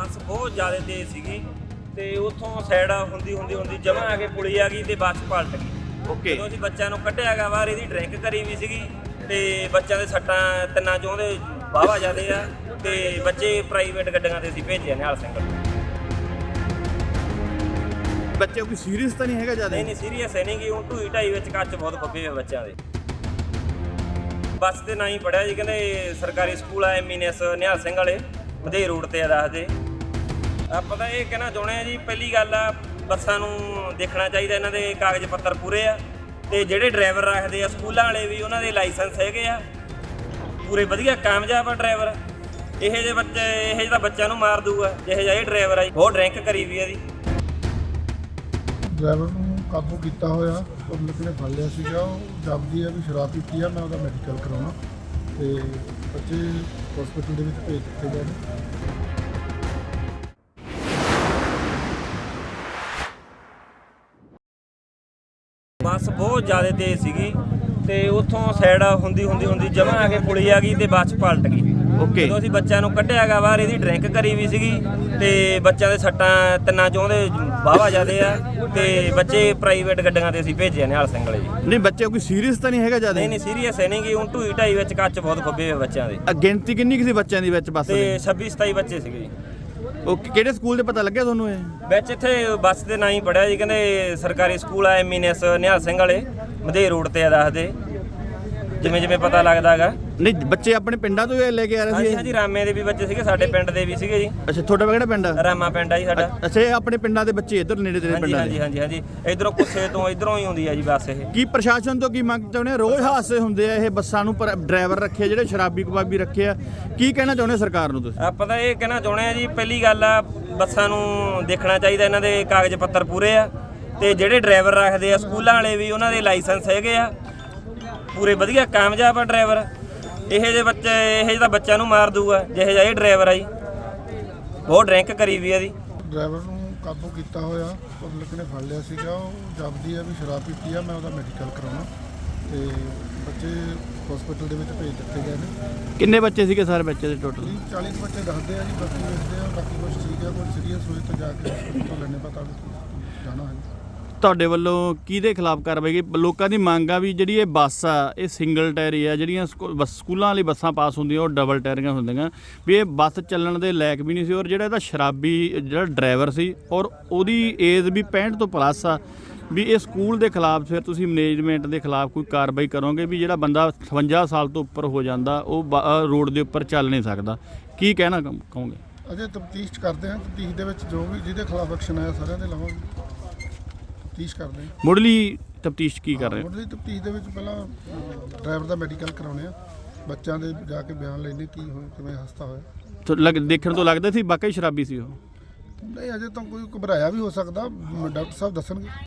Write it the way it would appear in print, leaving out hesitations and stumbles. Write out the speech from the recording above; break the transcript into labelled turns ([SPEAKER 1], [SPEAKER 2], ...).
[SPEAKER 1] ਬੱਸ ਬਹੁਤ ਜ਼ਿਆਦਾ ਤੇਜ਼ ਸੀਗੀ ਤੇ ਉੱਥੋਂ ਸਾਈਡ ਹੁੰਦੀ ਜਮਾਂ ਆ ਕੇ ਪੁਲੀ ਆ ਗਈ ਤੇ ਬੱਸ ਪਲਟ ਗਈ।
[SPEAKER 2] ਓਕੇ,
[SPEAKER 1] ਜਦੋਂ ਅਸੀਂ ਬੱਚਿਆਂ ਨੂੰ ਕੱਢਿਆ ਗਾ ਬਾਹਰ, ਇਹਦੀ ਡਰਿੰਕ ਕਰੀ ਵੀ ਸੀਗੀ ਤੇ ਬੱਚਿਆਂ ਦੇ ਸੱਟਾਂ ਤਿੰਨਾਂ ਚੋਂ ਦੇ ਵਾਹਵਾ ਜ਼ਿਆਦੇ ਆ ਤੇ ਬੱਚੇ ਪ੍ਰਾਈਵੇਟ ਗੱਡੀਆਂ ਤੇ ਅਸੀਂ ਭੇਜੇ ਨਿਹਾਲ ਸਿੰਘ ਨੂੰ।
[SPEAKER 2] ਬੱਚੇ ਕੋਈ ਸੀਰੀਅਸ ਤਾਂ ਨਹੀਂ ਹੈਗਾ ਜ਼ਿਆਦਾ?
[SPEAKER 1] ਨਹੀਂ ਸੀਰੀਅਸ ਹੈ ਨਹੀਂ ਗੀ, ਹੁਣ ਢੂਈ ਢਾਈ ਵਿੱਚ ਕੱਚ ਬਹੁਤ ਖੁੱਬੇ ਹੋਏ ਬੱਚਿਆਂ ਦੇ। ਬੱਸ ਤੇ ਨਾ ਹੀ ਪੜਿਆ ਜੀ, ਕਹਿੰਦੇ ਸਰਕਾਰੀ ਸਕੂਲ ਆ ਐਮਐਨਐਸ ਨਿਹਾਲ ਸਿੰਘ ਵਾਲੇ ਵਧੇ ਰੋਡ ਤੇ ਆ ਦੱਸਦੇ। ਆਪਾਂ ਤਾਂ ਇਹ ਕਹਿਣਾ ਚਾਹੁੰਦੇ ਆ ਜੀ, ਪਹਿਲੀ ਗੱਲ ਆ ਬੱਸਾਂ ਨੂੰ ਦੇਖਣਾ ਚਾਹੀਦਾ ਇਹਨਾਂ ਦੇ ਕਾਗਜ਼ ਪੱਤਰ ਪੂਰੇ ਆ ਤੇ ਜਿਹੜੇ ਡਰਾਈਵਰ ਰੱਖਦੇ ਆ ਸਕੂਲਾਂ ਵਾਲੇ ਵੀ ਉਹਨਾਂ ਦੇ ਲਾਇਸੈਂਸ ਹੈਗੇ ਆ ਪੂਰੇ ਵਧੀਆ ਕਾਮਯਾਬ ਆ ਡਰਾਈਵਰ। ਇਹੋ ਜਿਹੇ ਤਾਂ ਬੱਚਿਆਂ ਨੂੰ ਮਾਰ ਦੂਗਾ ਜਿਹੇ ਜਿਹਾ ਇਹ ਡਰਾਈਵਰ ਆ ਜੀ, ਬਹੁਤ ਡਰਿੰਕ ਕਰੀ ਵੀ ਆ ਜੀ।
[SPEAKER 3] ਡਰਾਈਵਰ ਨੂੰ ਕਾਬੂ ਕੀਤਾ ਹੋਇਆ, ਪਬਲਿਕ ਨੇ ਫੜ ਲਿਆ ਸੀਗਾ। ਉਹ ਜਾਪਦੀ ਹੈ ਵੀ ਸ਼ਰਾਬ ਪੀਤੀ ਆ, ਮੈਂ ਉਹਦਾ ਮੈਡੀਕਲ ਕਰਾਉਣਾ ਤੇ ਬੱਚੇ ਹਸਪੀਟਲ ਦੇ ਵਿੱਚ ਭੇਜ ਦਿੱਤੇ ਗਏ ਨੇ।
[SPEAKER 1] ਬੱਸ ਬਹੁਤ ਜ਼ਿਆਦਾ ਤੇਜ਼ ਸੀਗੀ ਤੇ ਉੱਥੋਂ ਸਾਈਡ ਹੁੰਦੀ ਜਮਾਂ ਆ ਕੇ ਪੁਲੀ ਆ ਗਈ ਤੇ ਬੱਸ ਪਲਟ ਗਈ।
[SPEAKER 2] ਓਕੇ,
[SPEAKER 1] ਜਦੋਂ ਅਸੀਂ ਬੱਚਿਆਂ ਨੂੰ ਕੱਢਿਆ ਗਾ ਬਾਹਰ, ਇਹਦੀ ਡਰਿੰਕ ਕਰੀ ਵੀ ਸੀਗੀ ਤੇ ਬੱਚਿਆਂ ਦੇ ਸੱਟਾਂ ਤਿੰਨਾਂ ਚੋਂ ਦੇ ਵਾਹਵਾ ਜ਼ਿਆਦੇ ਆ ਤੇ ਬੱਚੇ ਪ੍ਰਾਈਵੇਟ ਗੱਡੀਆਂ ਤੇ ਅਸੀਂ ਭੇਜੇ ਨਿਹਾਲ ਸਿੰਘ ਵਾਲੇ ਜੀ।
[SPEAKER 2] ਨਹੀਂ ਬੱਚੇ ਕੋਈ ਸੀਰੀਅਸ ਤਾਂ ਨਹੀਂ ਹੈਗਾ ਜ਼ਿਆਦਾ?
[SPEAKER 1] ਨਹੀਂ ਸੀਰੀਅਸ ਹੈ ਨਹੀਂ ਗੀ, ਹੁਣ ਢੂਈ ਢਾਈ ਵਿੱਚ ਕੱਚ ਬਹੁਤ ਖੁੱਬੇ ਹੋਏ ਬੱਚਿਆਂ ਦੇ।
[SPEAKER 2] ਗਿਣਤੀ ਕਿੰਨੀ ਕੁ ਸੀ ਬੱਚਿਆਂ ਦੀ ਵਿੱਚ ਬੱਸ
[SPEAKER 1] ਤੇ
[SPEAKER 2] ਦੇ?
[SPEAKER 1] 26-27 ਬੱਚੇ ਸੀਗੇ ਜੀ।
[SPEAKER 2] ਓਕੇ, ਕਿਹੜੇ ਸਕੂਲ ਦੇ ਪਤਾ ਲੱਗਿਆ ਤੁਹਾਨੂੰ ਇਹ?
[SPEAKER 1] ਵਿੱਚ ਇੱਥੇ ਬੱਸ ਦੇ ਨਾਂ ਹੀ ਪੜਿਆ ਜੀ, ਕਹਿੰਦੇ ਸਰਕਾਰੀ ਸਕੂਲ ਆ ਐਮਐਨਐਸ ਨਿਹਾਲ ਸਿੰਘ ਵਾਲੇ ਵਧੇ ਰੋਡ ਤੇ ਆ ਦੱਸਦੇ, ਜਿਵੇਂ ਪਤਾ ਲੱਗਦਾ ਹੈਗਾ।
[SPEAKER 2] ਨਹੀਂ ਬੱਚੇ ਆਪਣੇ ਪਿੰਡਾਂ ਤੋਂ ਲੈ ਕੇ ਆ ਰਹੇ ਸੀ?
[SPEAKER 1] ਹਾਂਜੀ ਰਾਮੇ ਦੇ ਵੀ ਬੱਚੇ ਸੀਗੇ, ਸਾਡੇ ਪਿੰਡ ਦੇ ਵੀ ਸੀਗੇ ਜੀ।
[SPEAKER 2] ਅੱਛਾ, ਤੁਹਾਡਾ ਕਿਹੜਾ ਪਿੰਡ ਆ?
[SPEAKER 1] ਰਾਮਾ ਪਿੰਡ ਆ ਜੀ ਸਾਡਾ।
[SPEAKER 2] ਅੱਛਾ, ਇਹ ਆਪਣੇ ਪਿੰਡਾਂ ਦੇ ਬੱਚੇ ਇੱਧਰ ਨੇੜੇ ਤੇਰੇ ਪਿੰਡਾਂ ਦੇ?
[SPEAKER 1] ਹਾਂਜੀ ਇਧਰੋਂ ਕੁੱਸੇ ਤੋਂ ਇਧਰੋਂ ਹੀ ਹੁੰਦੀ ਆ ਜੀ ਬੱਸ ਇਹ।
[SPEAKER 2] ਕੀ ਪ੍ਰਸ਼ਾਸਨ ਤੋਂ ਕੀ ਮੰਗ ਚਾਹੁੰਦੇ ਆ? ਰੋਜ਼ ਹਾਦਸੇ ਹੁੰਦੇ ਆ ਇਹ ਬੱਸਾਂ ਨੂੰ, ਪਰ ਡਰਾਈਵਰ ਰੱਖੇ ਜਿਹੜੇ ਸ਼ਰਾਬੀ ਕਬਾਬੀ ਰੱਖੇ ਆ, ਕੀ ਕਹਿਣਾ ਚਾਹੁੰਦੇ ਸਰਕਾਰ ਨੂੰ ਤੁਸੀਂ?
[SPEAKER 1] ਆਪਾਂ ਤਾਂ ਇਹ ਕਹਿਣਾ ਚਾਹੁੰਦੇ ਆ ਜੀ, ਪਹਿਲੀ ਗੱਲ ਆ ਬੱਸਾਂ ਨੂੰ ਦੇਖਣਾ ਚਾਹੀਦਾ ਇਹਨਾਂ ਦੇ ਕਾਗਜ਼ ਪੱਤਰ ਪੂਰੇ ਆ ਤੇ ਜਿਹੜੇ ਡਰਾਈਵਰ ਰੱਖਦੇ ਆ ਸਕੂਲਾਂ ਵਾਲੇ ਵੀ ਉਹਨਾਂ ਦੇ ਲਾਇਸੈਂਸ ਹੈਗੇ ਆ ਪੂਰੇ ਵਧੀਆ ਕਾਮਯਾਬ ਆ ਡਰਾਈਵਰ। ਇਹੋ ਜਿਹੇ ਤਾਂ ਬੱਚਿਆਂ ਨੂੰ ਮਾਰ ਦੂਗਾ ਜਿਹੇ ਜਿਹਾ ਇਹ ਡਰਾਈਵਰ ਆ ਜੀ, ਬਹੁਤ ਡਰਿੰਕ ਕਰੀ ਵੀ ਆ ਜੀ।
[SPEAKER 3] ਡਰਾਈਵਰ ਨੂੰ ਕਾਬੂ ਕੀਤਾ ਹੋਇਆ, ਪਬਲਿਕ ਨੇ ਫੜ ਲਿਆ ਸੀਗਾ। ਉਹ ਜਾਪਦੀ ਹੈ ਵੀ ਸ਼ਰਾਬ ਪੀਤੀ ਆ, ਮੈਂ ਉਹਦਾ ਮੈਡੀਕਲ ਕਰਾਉਣਾ ਤੇ ਬੱਚੇ ਹਸਪੀਟਲ ਦੇ ਵਿੱਚ ਭੇਜ ਦਿੱਤੇ ਗਏ ਨੇ।
[SPEAKER 2] ਕਿੰਨੇ ਬੱਚੇ ਸੀਗੇ ਸਾਰੇ ਬੱਚੇ ਦੇ ਟੋਟਲ?
[SPEAKER 3] 40 ਬੱਚੇ ਦੱਸਦੇ ਆ ਜੀ, ਬਾਕੀ ਵੇਖਦੇ ਆ, ਬਾਕੀ ਕੁਝ ਠੀਕ ਆ, ਕੋਈ ਸੀਰੀਅਸ ਹੋਏ ਤਾਂ ਜਾ ਕੇ ਹਸਪੀਟਲ ਤੋਂ ਲੈਣੇ ਪਤਾ ਜਾਣਾ ਹੈ।
[SPEAKER 2] ਤੁਹਾਡੇ ਵੱਲੋਂ ਕਿਹਦੇ ਖਿਲਾਫ ਕਾਰਵਾਈ ਕੀ? ਲੋਕਾਂ ਦੀ ਮੰਗ ਆ ਵੀ ਜਿਹੜੀ ਇਹ ਬੱਸ ਆ ਇਹ ਸਿੰਗਲ ਟਾਇਰੀ ਆ, ਜਿਹੜੀਆਂ ਸਕੂਲਾਂ ਵਾਲੀ ਬੱਸਾਂ ਪਾਸ ਹੁੰਦੀਆਂ ਉਹ ਡਬਲ ਟਾਇਰੀਆਂ ਹੁੰਦੀਆਂ, ਵੀ ਇਹ ਬੱਸ ਚੱਲਣ ਦੇ ਲਾਇਕ ਵੀ ਨਹੀਂ ਸੀ। ਔਰ ਜਿਹੜਾ ਇਹਦਾ ਸ਼ਰਾਬੀ ਜਿਹੜਾ ਡਰਾਈਵਰ ਸੀ ਔਰ ਉਹਦੀ ਏਜ ਵੀ 65 ਤੋਂ ਪਲੱਸ ਆ, ਵੀ ਇਹ ਸਕੂਲ ਦੇ ਖਿਲਾਫ ਫਿਰ ਤੁਸੀਂ ਮੈਨੇਜਮੈਂਟ ਦੇ ਖਿਲਾਫ ਕੋਈ ਕਾਰਵਾਈ ਕਰੋਗੇ ਵੀ ਜਿਹੜਾ ਬੰਦਾ 58 ਸਾਲ ਤੋਂ ਉੱਪਰ ਹੋ ਜਾਂਦਾ ਉਹ ਰੋਡ ਦੇ ਉੱਪਰ ਚੱਲ ਨਹੀਂ ਸਕਦਾ? ਕੀ ਕਹਿਣਾ ਕਹੋਗੇ?
[SPEAKER 3] ਅਜੇ ਤਫਤੀਸ਼ ਕਰਦੇ ਹਾਂ, ਤਫਤੀਸ਼ ਦੇ ਵਿੱਚ ਜੋ ਵੀ ਜਿਹਦੇ ਖਿਲਾਫ ਐਕਸ਼ਨ ਆਇਆ ਸਾਰਿਆਂ ਦੇ ਲਵਾਂਗੇ। ਤਫਤੀਸ਼ ਕਰਦੇ ਹਾਂ।
[SPEAKER 2] ਮੁੱਢਲੀ ਤਫਤੀਸ਼ ਕੀ ਕਰ ਰਹੇ ਹੋ?
[SPEAKER 3] ਮੁੱਢਲੀ ਤਫਤੀਸ਼ ਦੇ ਵਿੱਚ ਪਹਿਲਾਂ ਡਰਾਈਵਰ ਦਾ ਮੈਡੀਕਲ ਕਰਾਉਣੇ ਆ, ਬੱਚਿਆਂ ਦੇ ਜਾ ਕੇ ਬਿਆਨ ਲੈਣੇ ਕੀ ਹੋਇਆ, ਕਿਵੇਂ ਹਾਦਸਾ ਹੋਇਆ।
[SPEAKER 2] ਦੇਖਣ ਤੋਂ ਲੱਗਦਾ ਸੀ ਵਾਕਈ ਸ਼ਰਾਬੀ ਸੀ ਉਹ?
[SPEAKER 3] ਨਹੀਂ, ਅਜੇ ਤਾਂ ਕੋਈ ਘਬਰਾਇਆ ਵੀ ਹੋ ਸਕਦਾ, ਡਾਕਟਰ ਸਾਹਿਬ ਦੱਸਣਗੇ।